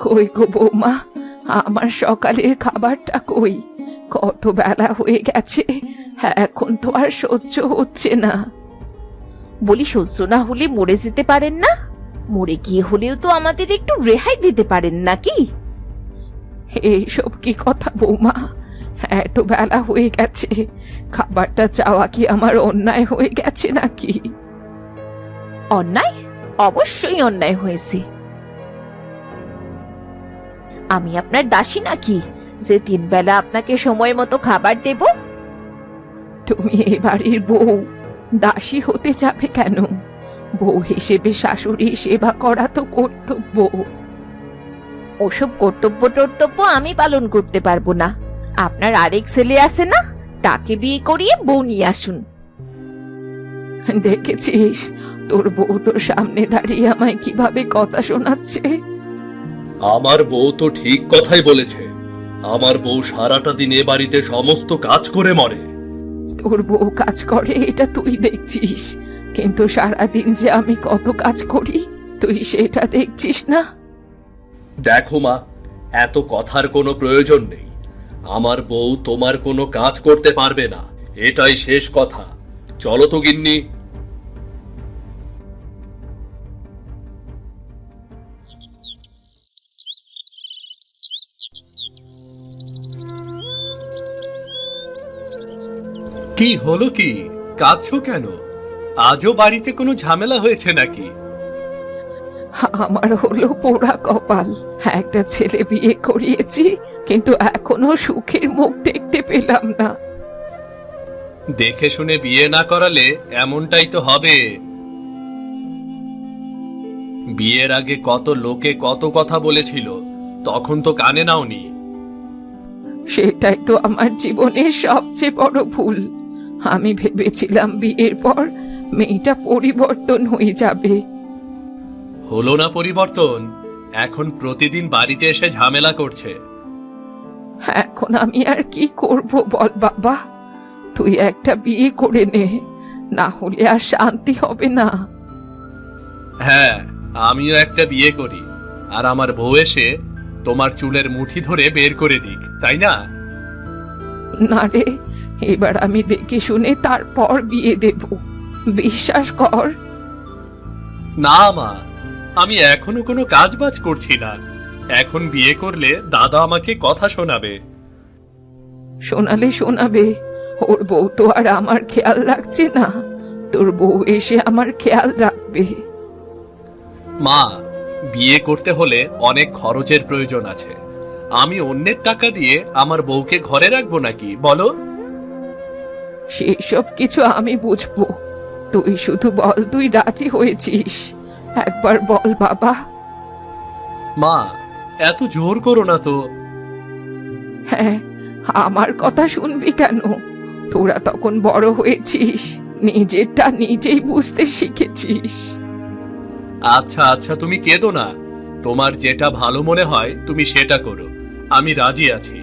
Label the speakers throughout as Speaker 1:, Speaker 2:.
Speaker 1: কই গো বৌমা, আমার সকালের খাবারটা কই? কত বেলা হয়ে গেছে, এখন তো আর সহ্য হচ্ছে না।
Speaker 2: বলি, সহ্য না হলে মরে যেতে পারেন না? মরে গিয়ে হলেও তো আমাদের একটু রেহাই দিতে পারেন নাকি?
Speaker 1: এইসব কি কথা বৌমা? এত বেলা হয়ে গেছে, খাবারটা চাওয়া কি আমার অন্যায় হয়ে গেছে নাকি?
Speaker 2: অন্যায়? অবশ্যই অন্যায় হয়েছে। আমি আপনার দাসী নাকি যে 3 বেলা আপনাকে সময় মতো খাবার দেব?
Speaker 1: তুমি এ বাড়ির বউ, দাসী হতে যাবে কেন? বউ হিসেবে শাশুড়ি সেবা করা তো কর্তব্য।
Speaker 2: ওসব কর্তব্য টর্তব্য আমি পালন করতে পারবো না। আপনার আরেক ছেলে আছে না, তাকে বিয়ে করিয়ে বউ নিয়ে আসুন।
Speaker 1: দেখেছিস তোর বউ তোর সামনে দাঁড়িয়ে আমায় কিভাবে কথা শোনাচ্ছে?
Speaker 3: আমার বউ তো ঠিক কথাই বলেছে। আমার বউ সারাটা দিন এ বাড়িতে সমস্ত কাজ করে মরে।
Speaker 1: তোর বউ কাজ করে এটা তুই দেখছিস, কিন্তু সারাদিন যে আমি কত কাজ করি তুই সেটা দেখছিস না।
Speaker 3: দেখো মা, এত কথার কোনো প্রয়োজন নেই। আমার বউ তোমার কোনো কাজ করতে পারবে না, এটাই শেষ কথা। চলো তো গিন্নি। কি হলো কি? কাঁদছো কেন? আজও বাড়িতে কোনো ঝামেলা হয়েছে নাকি?
Speaker 1: আমার হলো পোড়া কপাল, একটা ছেলে বিয়ে করিয়েছি কিন্তু এখনো সুখের মুখ দেখতে পেলাম না।
Speaker 3: দেখে শুনে বিয়ে না করালে এমনটাই তো হবে। বিয়ের আগে কত লোকে কত কথা বলেছিল, তখন তো কানে নাওনি।
Speaker 1: সেটাই তো আমার জীবনের সবচেয়ে বড় ভুল। আমি ভেবেছিলাম বিয়ের পর মেয়েটা পরিবর্তন হয়ে যাবে।
Speaker 3: হলো না পরিবর্তন। এখন প্রতিদিন বাড়িতে এসে ঝামেলা করছে।
Speaker 1: এখন আমি আর কি করব বল বাবা? তুই একটা বিয়ে করে নে, না হলে আর শান্তি হবে না।
Speaker 3: হ্যাঁ, আমিও একটা বিয়ে করি, আর আমার বউ এসে তোমার চুলের মুঠি ধরে বের করে দিক, তাই না?
Speaker 1: না রে, এবার আমি দেখে শুনে তারপর বিয়ে দেব, বিশ্বাস কর।
Speaker 3: না মা, আমি এখনো কোনো কাজ বাজ করছি না। এখন বিয়ে করলে দাদা আমাকে কথা শোনাবে।
Speaker 1: শোনালে শোনাবে, ওর বউ তো আর আমার খেয়াল রাখছে না, তোর বউ এসে আমার খেয়াল রাখবে।
Speaker 3: মা, বিয়ে করতে হলে অনেক খরচের প্রয়োজন আছে। আমি অন্যের টাকা দিয়ে আমার বউকে ঘরে রাখবো নাকি বলো?
Speaker 1: সেসব কিছু আমি বুঝবো, তুই শুধু বল তুই রাজি হয়েছিস। একবার বল বাবা।
Speaker 3: মা, এত জোর করো না তো।
Speaker 1: হ্যাঁ, আমার কথা শুনবি কেন? তোরা তখন বড় হয়েছিস, নিজেরটা নিজেই বুঝতে শিখেছিস।
Speaker 3: আচ্ছা আচ্ছা, তুমি কেঁদো না। তোমার যেটা ভালো মনে হয় তুমি সেটা করো, আমি রাজি আছি।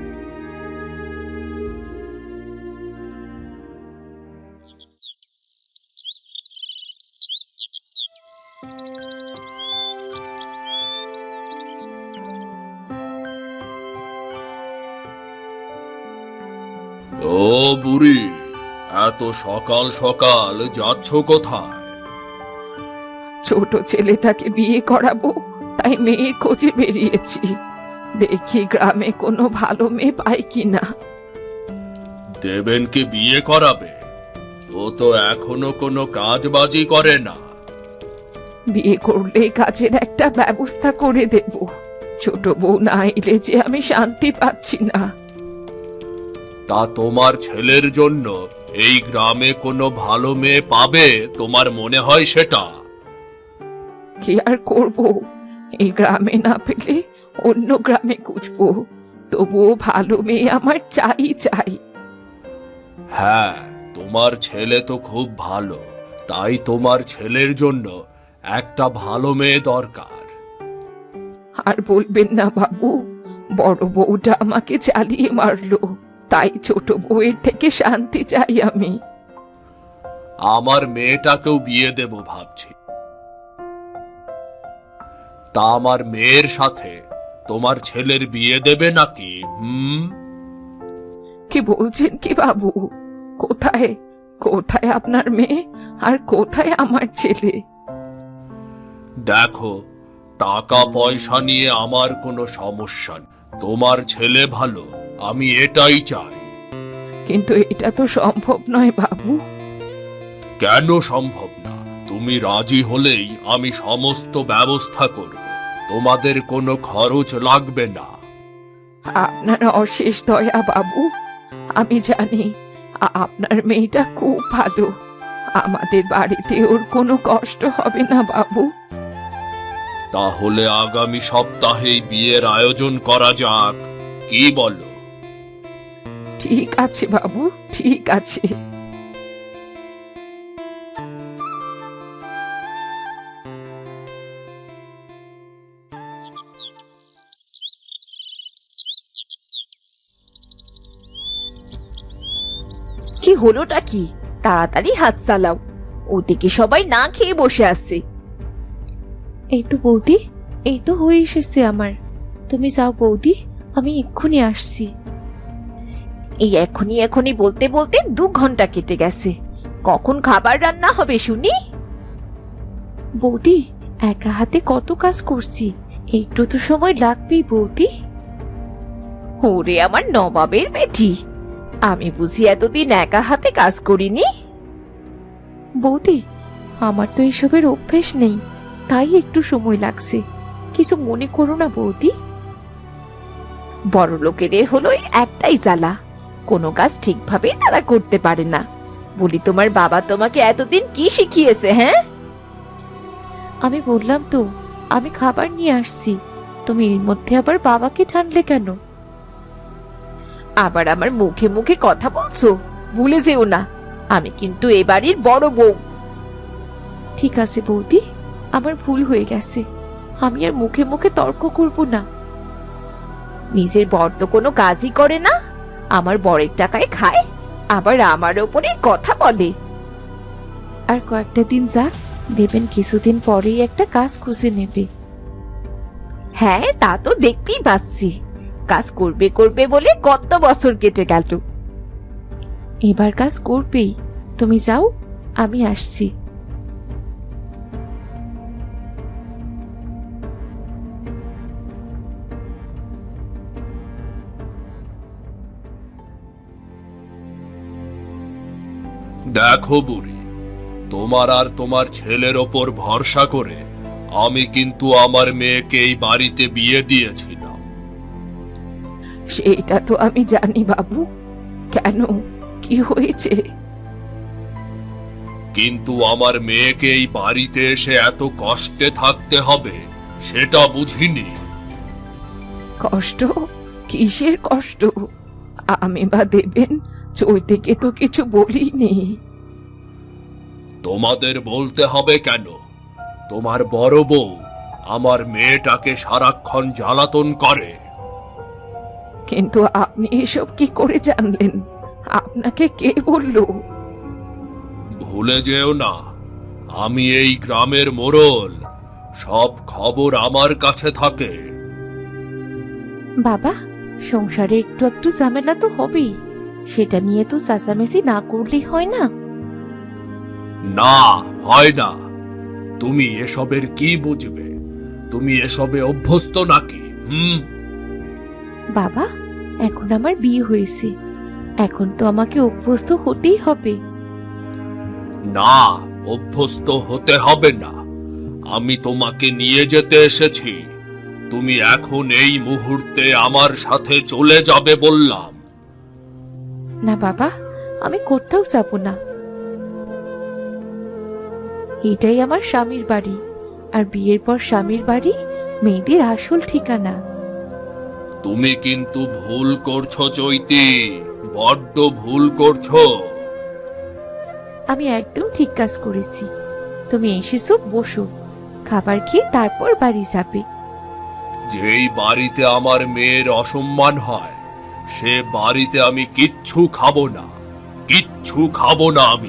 Speaker 3: ও বুড়ি, এত সকাল সকাল যাচ্ছ কোথায়?
Speaker 1: ছোট ছেলেটাকে বিয়ে করাবো, তাই মেয়ের খোঁজে বেরিয়েছি। দেখি গ্রামে কোনো ভালো মেয়ে পাই কিনা।
Speaker 3: দেবেনকে বিয়ে করাবে? ও তো এখনো কোনো কাজবাজি করে না।
Speaker 1: বিয়ে করলে কাজের একটা ব্যবস্থা করে দেব। ছোট বউ না এলে যে আমি শান্তি পাচ্ছি না।
Speaker 3: তা তোমার ছেলের জন্য এই গ্রামে কোনো ভালো মেয়ে পাবে তোমার মনে হয় সেটা?
Speaker 1: কি আর করব, এই গ্রামে না পেলে অন্য গ্রামে খুঁজবো, তবুও ভালো মেয়ে আমার চাই চাই।
Speaker 3: হ্যাঁ, তোমার ছেলে তো খুব ভালো, তাই তোমার ছেলের জন্য একটা ভালো মেয়ে দরকার।
Speaker 1: আর বলবেন না বাবু, বড় বউটা আমাকে চালিয়ে মারলো, তাই ছোট বউয়ের থেকে শান্তি চাই আমি।
Speaker 3: আমার মেয়েটাকেও বিয়ে দেব ভাবছি। তা আমার মেয়ের সাথে তোমার ছেলের বিয়ে দেবে নাকি?
Speaker 1: কি বলছেন কি বাবু? কোথায় কোথায় আপনার মেয়ে আর কোথায় আমার ছেলে?
Speaker 3: দেখো, টাকা পয়সা নিয়ে আমার কোনো সমস্যা নেই। তোমার ছেলে ভালো, আমি এটাই চাই।
Speaker 1: কিন্তু এটা তো সম্ভব নয় বাবু।
Speaker 3: কেন সম্ভব না? তুমি রাজি হলেই আমি সমস্ত ব্যবস্থা করব। তোমাদের কোনো খরচ লাগবে না।
Speaker 1: আপনার অশেষ দয়া বাবু। আমি জানি আপনার মেয়েটা খুব ভালো। আমাদের বাড়িতে ওর কোনো কষ্ট হবে না বাবু।
Speaker 3: তাহলে আগামী সপ্তাহেই বিয়ের আয়োজন করা যাক, কি বলো?
Speaker 1: ঠিক আছে বাবু, ঠিক আছে।
Speaker 2: কি হলোটা কি? তাড়াতাড়ি হাত চালাও, ওদিকে সবাই না খেয়ে বসে আছে।
Speaker 4: এই তো বৌদি, এই তো হয়ে এসেছে আমার। তুমি যাও বৌদি, আমি এক্ষুনি আসছি।
Speaker 2: এই এখনই এখনই বলতে বলতে 2 ঘন্টা কেটে গেছে। কখন খাবার রান্না হবে শুনি?
Speaker 4: বৌদি, একা হাতে কত কাজ করছি, একটু তো সময় লাগবেই বৌদি।
Speaker 2: ওরে আমার নবাবের বেটি, আমি বুঝি এতদিন একা হাতে কাজ করিনি?
Speaker 4: বৌদি, আমার তো এসবের অভ্যেস নেই, তাই একটু সময় লাগছে। কিছু মনে করো না বৌদি।
Speaker 2: বড় লোকেদের হলো এই একটাই জ্বালা, কোনো কাজ ঠিকভাবে তারা করতে পারে না। বলি, তোমার বাবা তোমাকে এতদিন কি শিখিয়েছে? হ্যাঁ,
Speaker 4: আমি বললাম তো আমি খাবার নিয়ে আসছি, তুমি এর মধ্যে আবার বাবাকে টানলে কেন?
Speaker 2: আবার আমার মুখে মুখে কথা বলছো, ভুলে যেও না আমি কিন্তু এ বাড়ির বড় বউ।
Speaker 4: ঠিক আছে বৌদি, আমার ভুল হয়ে গেছে, আমি আর মুখে মুখে তর্ক করব না।
Speaker 2: নিজের বর তো কোনো কাজই করে না, আমার বরের টাকায় খায়, আবার আমার ওপরে কথা বলে।
Speaker 4: আর কয়েকটা দিন যাক, দেবেন কিছুদিন পরেই একটা কাজ খুঁজে নেবে।
Speaker 2: হ্যাঁ, তা তো দেখতেই পাচ্ছি। কাজ করবে করবে বলে কত বছর কেটে গেল।
Speaker 4: এবার কাজ করবেই, তুমি যাও, আমি আসছি।
Speaker 3: দেখো বুড়ি, তোমার আর তোমার ছেলের ওপর ভরসা করে আমি কিন্তু আমার মেয়েকে এই বাড়িতে বিয়ে দিয়েছিলাম।
Speaker 1: সেটা তো আমি জানি বাবু। কেন, কি হয়েছে?
Speaker 3: কিন্তু আমার মেয়েকে এই বাড়িতে এসে এত কষ্টে থাকতে হবে সেটা বুঝিনি।
Speaker 1: কষ্ট? কিসের কষ্ট? আমি বা দেবেন চৈতিকে তো কিছু বলিনি।
Speaker 3: তোমাদের বলতে হবে কেন? তোমার বড় বউ আমার মেয়েটাকে সারাক্ষণ জ্বালাতন করে।
Speaker 1: কিন্তু আপনি এসব কি করে জানলেন? আপনাকে কে বলল?
Speaker 3: ভুলে যেও না, আমি এই গ্রামের মোড়ল, সব খবর আমার কাছে থাকে।
Speaker 4: বাবা, সংসারে একটু একটু ঝামেলা তো হবেই, সেটা নিয়ে তো চেঁচামেচি না করলেই হয় না।
Speaker 3: না, হয় না। তুমি এসবের কি বুঝবে? তুমি এসবে অভ্যস্ত নাকি?
Speaker 4: বাবা, এখন আমার বিয়ে হয়েছে, এখন তো আমাকে অভ্যস্ত হতেই হবে।
Speaker 3: না, অভ্যস্ত হতে হবে না। আমি তোমাকে নিয়ে যেতে এসেছি। তুমি এখন এই মুহূর্তে আমার সাথে চলে যাবে বললাম।
Speaker 4: না বাবা, আমি কোথাও যাব না। এটাই আমার স্বামীর বাড়ি, আর বিয়ের পর স্বামীর বাড়ি মেয়েদের আসল ঠিকানা।
Speaker 3: তুমি কিন্তু ভুল করছো চৈতি, বড্ড ভুল করছো।
Speaker 4: আমি একদম ঠিক কাজ করেছি। তুমি এসেছো, বসো, খাবার খেয়ে তারপর বাড়ি যাবে।
Speaker 3: যেই বাড়িতে আমার মেয়ের অসম্মান হয় সে বাড়িতে আমি কিচ্ছু খাবো না, কিচ্ছু খাবো না আমি।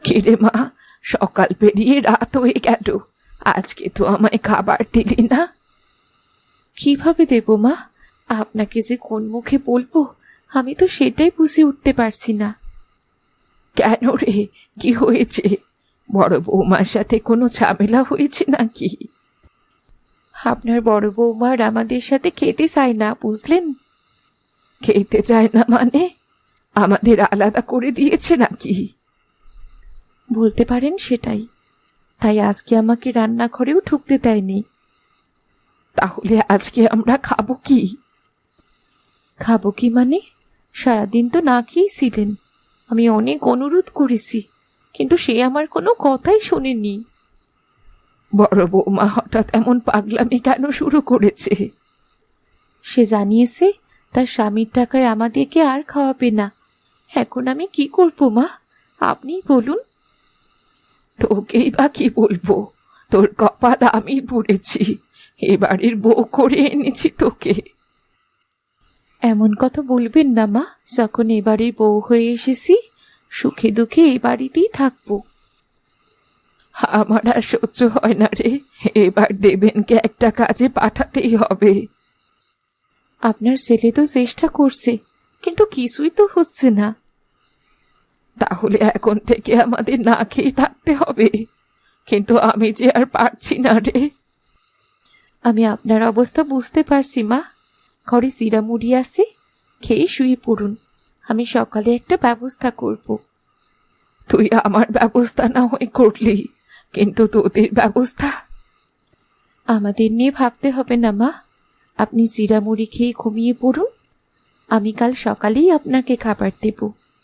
Speaker 1: কিরে মা, সকাল পেরিয়ে রাত হয়ে গেল, আজকে তো আমায় খাবার দিলি না।
Speaker 4: কিভাবে দেব মা? আপনাকে যে কোন মুখে বলবো আমি তো সেটাই বুঝে উঠতে পারছি না।
Speaker 1: কেন রে, কি হয়েছে? বড় বৌমার সাথে কোনো ঝামেলা হয়েছে নাকি?
Speaker 4: আপনার বড় বৌমার আমাদের সাথে খেতে চায় না, বুঝলেন?
Speaker 1: খেতে চায় না মানে? আমাদের আলাদা করে দিয়েছে নাকি?
Speaker 4: বলতে পারেন সেটাই। তাই আজকে আমাকে রান্নাঘরেও ঢুকতে দেয়নি।
Speaker 1: তাহলে আজকে আমরা খাবো কি?
Speaker 4: খাবো কি মানে? সারাদিন তো না খেয়েই ছিলেন। আমি অনেক অনুরোধ করেছি, কিন্তু সে আমার কোনো কথাই শোনেনি।
Speaker 1: বড় বৌমা হঠাৎ এমন পাগলামি কেন শুরু করেছে?
Speaker 4: সে জানিয়েছে তার স্বামীর টাকায় আমাদেরকে আর খাওয়াবে না। এখন আমি কি করবো মা, আপনিই বলুন।
Speaker 1: তোকেই বা কি বলবো? তোর কপাল আমি পুড়েছি, এ বাড়ির বউ করে এনেছি তোকে।
Speaker 4: এমন কথা বলবেন না মা, যখন এ বাড়ির বউ হয়ে এসেছি সুখে দুঃখে এই বাড়িতেই থাকবো।
Speaker 1: আমার আর সহ্য হয় না রে, এবার দেবেনকে একটা কাজে পাঠাতেই হবে।
Speaker 4: আপনার ছেলে তো চেষ্টা করছে, কিন্তু কিছুই তো হচ্ছে না।
Speaker 1: তাহলে এখন থেকে আমাদের না খেয়ে থাকতে হবে, কিন্তু আমি যে আর পারছি না রে।
Speaker 4: আমি আপনার অবস্থা বুঝতে পারছি মা। ঘরে জিরা মুড়ি আছে, খেয়ে শুয়ে পড়ুন। আমি সকালে একটা ব্যবস্থা করব।
Speaker 1: তুই আমার ব্যবস্থা না হয় করলি, কিন্তু তোদের ব্যবস্থা?
Speaker 4: আমাদের নিয়ে ভাবতে হবে না মা, আপনি জিরা মুড়ি খেয়ে ঘুমিয়ে পড়ুন। আমি কাল সকালেই আপনাকে খাবার দেব।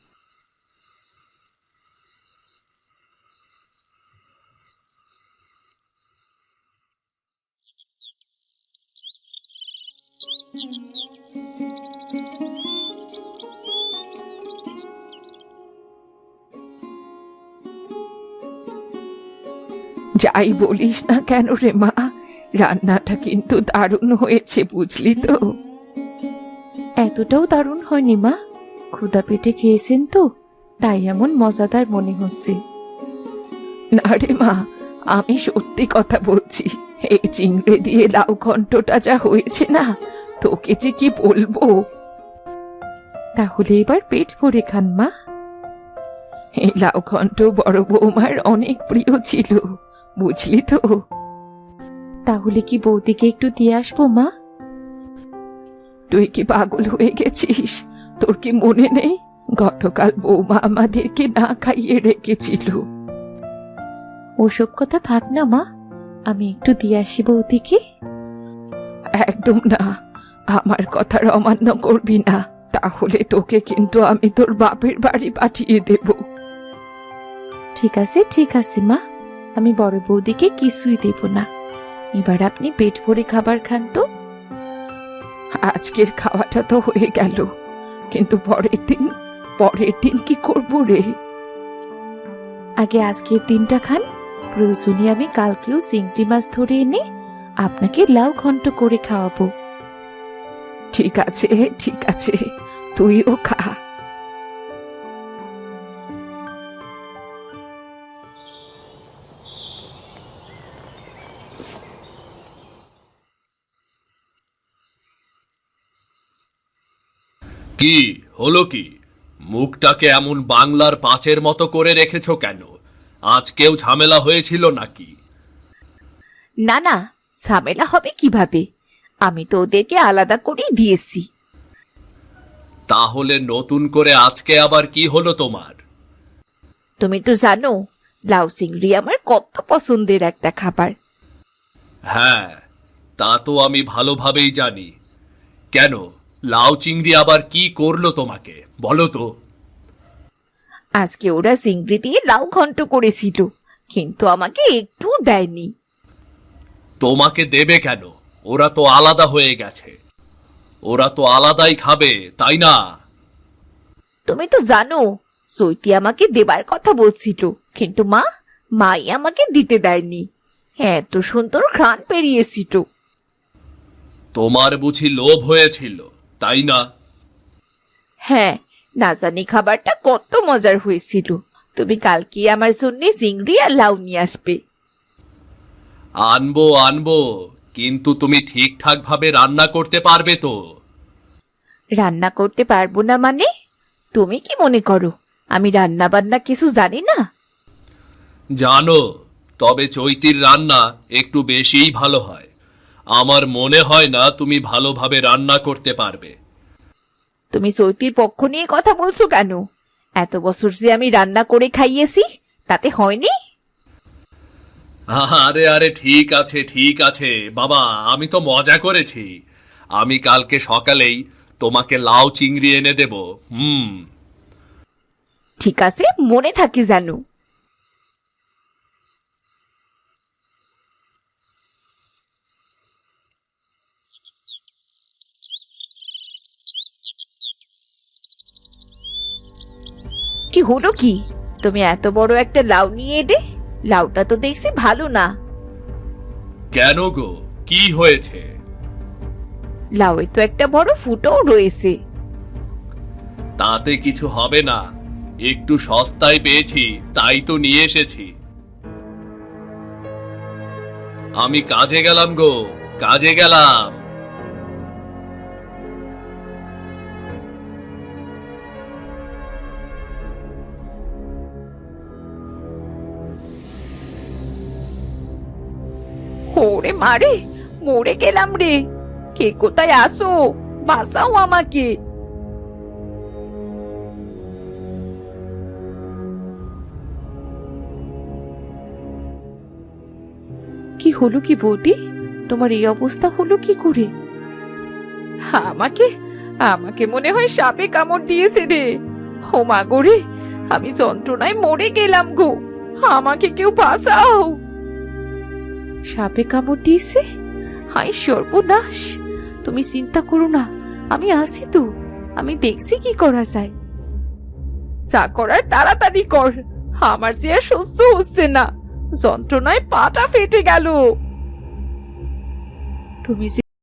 Speaker 1: যাই বলিস না কেন রে মা, রান্নাটা কিন্তু দারুণ হয়েছে, বুঝলি তো?
Speaker 4: এতটাও দারুণ হয়নি মা, ক্ষুধা পেটে খেয়েছেন তো, তাই এমন মজাদার মনে হচ্ছে।
Speaker 1: না রে মা, আমি সত্যি কথা বলছি। এই চিংড়ি দিয়ে লাউ ঘন্টটা যা হয়েছে না, তোকে যে কি বলবো।
Speaker 4: তাহলে এবার পেট ভরে খান মা।
Speaker 1: এই লাউ ঘন্ট বড় বৌমার অনেক প্রিয় ছিল, বুঝলি তো?
Speaker 4: তাহলে কি বৌদিকে একটু দিয়ে আসবো মা?
Speaker 1: তুই কি পাগল হয়ে গেছিস? তোর কি মনে নেই গতকাল বৌমা আমাদেরকে না খাইয়ে রেখেছিল?
Speaker 4: ওসব কথা থাক না মা, আমি একটু দিয়ে আসি বৌদিকে।
Speaker 1: একদম না, আমার কথার অমান্য করবি না, তাহলে তোকে কিন্তু আমি তোর বাপের বাড়ি পাঠিয়ে দেব।
Speaker 4: ঠিক আছে মা, আমি বড় বৌদিকে কিছুই দেব না। এবার আপনি পেট ভরে খাবার খান তো।
Speaker 1: আজকের খাওয়াটা তো হয়ে গেল, কিন্তু পরের দিন কি করব রে?
Speaker 4: আগে আজকের দিনটা খান, প্রয়োজনে আমি কালকেও চিংড়ি মাছ ধরে এনে আপনাকে লাউ ঘন্ট করে খাওয়াবো।
Speaker 1: ঠিক আছে ঠিক আছে, তুইও খা।
Speaker 3: কি হলো কি? মুখটাকে এমন বাংলার পাঁচের মতো করে রেখেছো কেন? আজকেও ঝামেলা হয়েছিল নাকি?
Speaker 2: না না, ঝামেলা হবে কিভাবে? আমি তো ওদেরকে আলাদা করেই দিয়েছি।
Speaker 3: তাহলে নতুন করে আজকে আবার কি হলো তোমার?
Speaker 2: তুমি তো জানো লাউ চিংড়ি আমার কত পছন্দের একটা খাবার।
Speaker 3: হ্যাঁ, তা তো আমি ভালোভাবেই জানি। কেন, লাউ চিংড়ি আবার কি করলো তোমাকে বলো তো?
Speaker 2: আজকে ওরা চিংড়ি দিয়ে লাউ ঘন্ট করেছিল, কিন্তু আমাকে একটু দেয়নি।
Speaker 3: তোমাকে দেবে কেন? ওরা তো আলাদা হয়ে গেছে, ওরা তো আলাদাই খাবে, তাই না?
Speaker 2: তুমি তো জানো সৈতি আমাকে দেবার কথা বলছিল, কিন্তু মাই আমাকে দিতে দেয়নি। এত সুন্দর ঘ্রাণ বেরিয়েছিল।
Speaker 3: তোমার বুঝি লোভ হয়েছিল, তাই না?
Speaker 2: হ্যাঁ, না জানি খাবারটা কত মজার হয়েছিল, তুমি কালকে আমার জন্য চিংড়ি আর লাউ নিয়ে আসবে।
Speaker 3: আনবো আনবো, কিন্তু তুমি ঠিকঠাক ভাবে রান্না করতে পারবে তো?
Speaker 2: রান্না করতে পারবো না মানে? তুমি কি মনে করো আমি রান্না বান্না কিছু জানি না?
Speaker 3: জানো, তবে চৈতির রান্না একটু বেশিই ভালো হয়। আমার মনে হয় না তুমি ভালোভাবে রান্না করতে পারবে।
Speaker 2: তুমি চৈতির পক্ষ নিয়ে কথা বলছো কেন? এত বছর যে আমি রান্না করে খাইয়েছি, তাতে হয়নি?
Speaker 3: আরে আরে ঠিক আছে ঠিক আছে বাবা, আমি তো মজা করেছি। আমি কালকে সকালেই তোমাকে লাউ চিংড়ি এনে দেব।
Speaker 2: ঠিক আছে, মনে থাকে জানো। কি হলো কি? তুমি এত বড় একটা লাউ নিয়ে এলে? লাউটা তো দেখছি ভালো না।
Speaker 3: কেন গো, কি হয়েছে?
Speaker 2: লাউয়ে তো একটা বড় ফুটোও রয়েছে।
Speaker 3: তাতে কিছু হবে না, একটু সস্তায় পেয়েছি তাই তো নিয়ে এসেছি। আমি কাজে গেলাম গো, কাজে গেলাম।
Speaker 2: ওরে মারে, মরে গেলাম রে। কে কোথায় আসো, বাঁচাও আমাকে।
Speaker 4: কি হলো কি বৌদি, তোমার এই অবস্থা হলো কি করে?
Speaker 1: আমাকে আমাকে মনে হয় সাপে কামড় দিয়েছে রে। ও মা গো রে, আমি যন্ত্রণায় মরে গেলাম গো। আমাকে কেউ বাঁচাও।
Speaker 4: সাপে কামড় দিয়েছে? হায় সর্বনাশ! তুমি চিন্তা করো না, আমি আছি তো, আমি দেখছি কি করা যায়।
Speaker 1: যা করার তাড়াতাড়ি কর, আমার যে আর সহ্য হচ্ছে না। যন্ত্রণায় পাটা ফেটে গেল।
Speaker 4: তুমি